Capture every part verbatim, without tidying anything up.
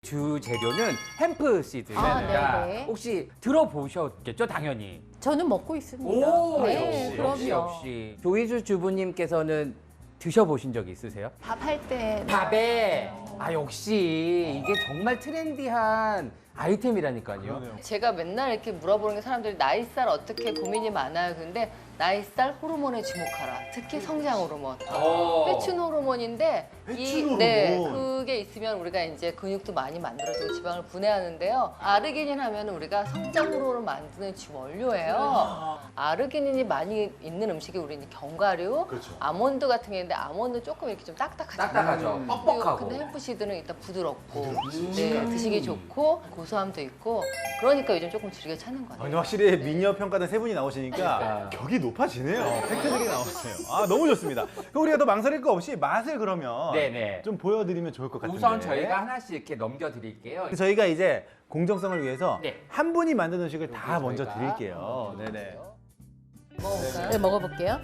주 재료는 햄프 시드입니다. 아, 네네. 혹시 들어보셨겠죠, 당연히. 저는 먹고 있습니다. 오, 네, 역시, 그럼요. 역시, 역시. 조이주 주부님께서는 드셔보신 적 있으세요? 밥 할 때. 밥에. 아, 역시 이게 정말 트렌디한 아이템이라니까요. 제가 맨날 이렇게 물어보는 게 사람들이 나이살 어떻게 고민이 많아요. 근데 나이살 호르몬에 주목하라. 특히 성장 호르몬. 어. 회춘 호르몬인데 이 회춘 네, 호르몬. 그게 있으면 우리가 이제 근육도 많이 만들어지고 지방을 분해하는데요. 아르기닌 하면 우리가 성장 호르몬을 만드는 주원료예요. 아르기닌이 많이 있는 음식이 우리 이제 견과류, 그렇죠. 아몬드 같은 게 있는데 아몬드 조금 이렇게 좀 딱딱하잖아요. 딱딱하죠. 그리고 뻑뻑하고. 근데 햄프시드는 일단 부드럽고 음. 네, 드시기 좋고 고소함도 있고 그러니까 요즘 조금 즐겨 찾는 아, 거예요. 근데 확실히 미녀 평가단 세 분이 나오시니까 그러니까. 격이 높아지네요. 팩트들이 나오세요. 아, 너무 좋습니다. 그럼 우리가 더 망설일 거 없이 맛을 그러면 네네. 좀 보여드리면 좋을 것 같은데. 우선 저희가 하나씩 이렇게 넘겨드릴게요. 저희가 이제 공정성을 위해서 네. 한 분이 만든 음식을 다 여기 먼저 저희가 드릴게요. 네네. 먹어볼까요? 네, 먹어볼게요.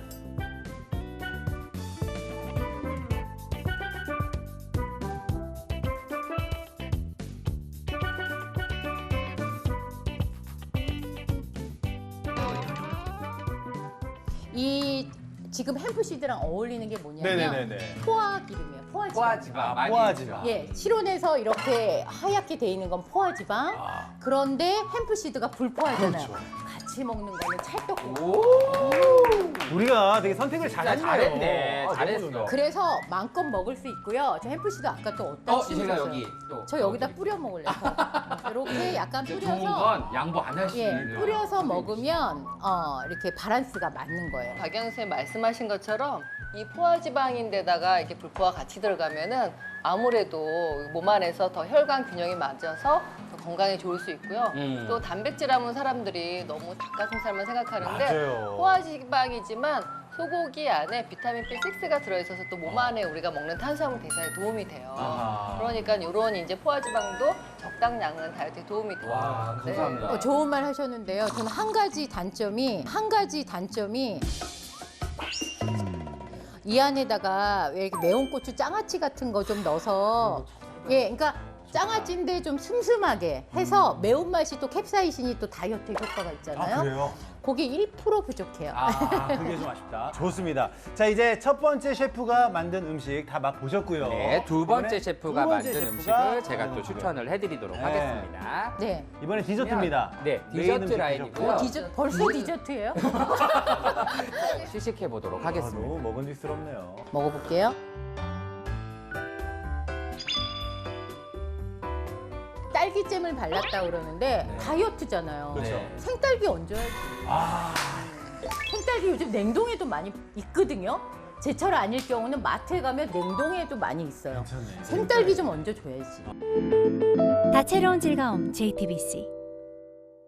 이 지금 햄프시드랑 어울리는 게 뭐냐면 네네네네. 포화 기름이에요. 포화 지방. 포화지방 많이 포화지방. 있죠. 예, 실온에서 이렇게 하얗게 돼 있는 건 포화지방. 아. 그런데 햄프시드가 불포화잖아요. 그렇죠. 같이 먹는 거는 찰떡국. 오. 우리가 되게 선택을 잘했네요. 잘했네. 아, 너무 잘했어. 좋네요. 그래서 마음껏 먹을 수 있고요. 저 햄프시드 아까 또 어디다 어, 치우셨어요? 제가 여기 또. 저 여기다 여기. 뿌려 먹을래요. 이렇게 약간 좋은 뿌려서 건 양보 안 예, 하시는. 뿌려서 먹으면 어, 이렇게 바란스가 맞는 거예요. 박영 선생님 말씀하신 것처럼 이 포화지방인데다가 이렇게 불포화 같이 들어가면은 아무래도 몸 안에서 더 혈관 균형이 맞아서 더 건강에 좋을 수 있고요. 음. 또 단백질 함은 사람들이 너무 닭가슴살만 생각하는데 맞아요. 포화지방이지만 소고기 안에 비타민 비 식스가 들어있어서 또 몸 안에 우리가 먹는 탄수화물 대사에 도움이 돼요. 아하. 그러니까 이런 이제 포화지방도 적당량은 다이어트에 도움이 돼요. 와, 네. 감사합니다. 어, 좋은 말 하셨는데요. 저는 한 가지 단점이 한 가지 단점이 이 안에다가 왜 이렇게 매운 고추 장아찌 같은 거 좀 넣어서 예, 그러니까 장아찌인데 좀 슴슴하게 해서 매운맛이 또 캡사이신이 또 다이어트 효과가 있잖아요. 아, 그래요? 그게 일 퍼센트 부족해요. 아, 그게 좀 아쉽다. 좋습니다. 자, 이제 첫 번째 셰프가 만든 음식 다 맛보셨고요. 네, 두 번째 이번에 셰프가 두 번째 만든 셰프가 음식을 제가 또 만든 추천을 해드리도록 네. 하겠습니다. 네. 이번에 디저트입니다. 네, 메인 디저트 음식 라인이고요. 드셨고요. 어, 디저, 벌써 디저트예요? 시식해 보도록 아, 하겠습니다. 너무 먹은직스럽네요. 먹어볼게요. 딸기잼을 발랐다 그러는데 다이어트잖아요. 그렇죠. 네. 생딸기 얹어야지. 아, 생딸기 요즘 냉동에도 많이 있거든요. 제철 아닐 경우는 마트에 가면 냉동에도 많이 있어요. 괜찮네. 생딸기 좀 얹어줘야지. 다채로운 즐거움 제이티비씨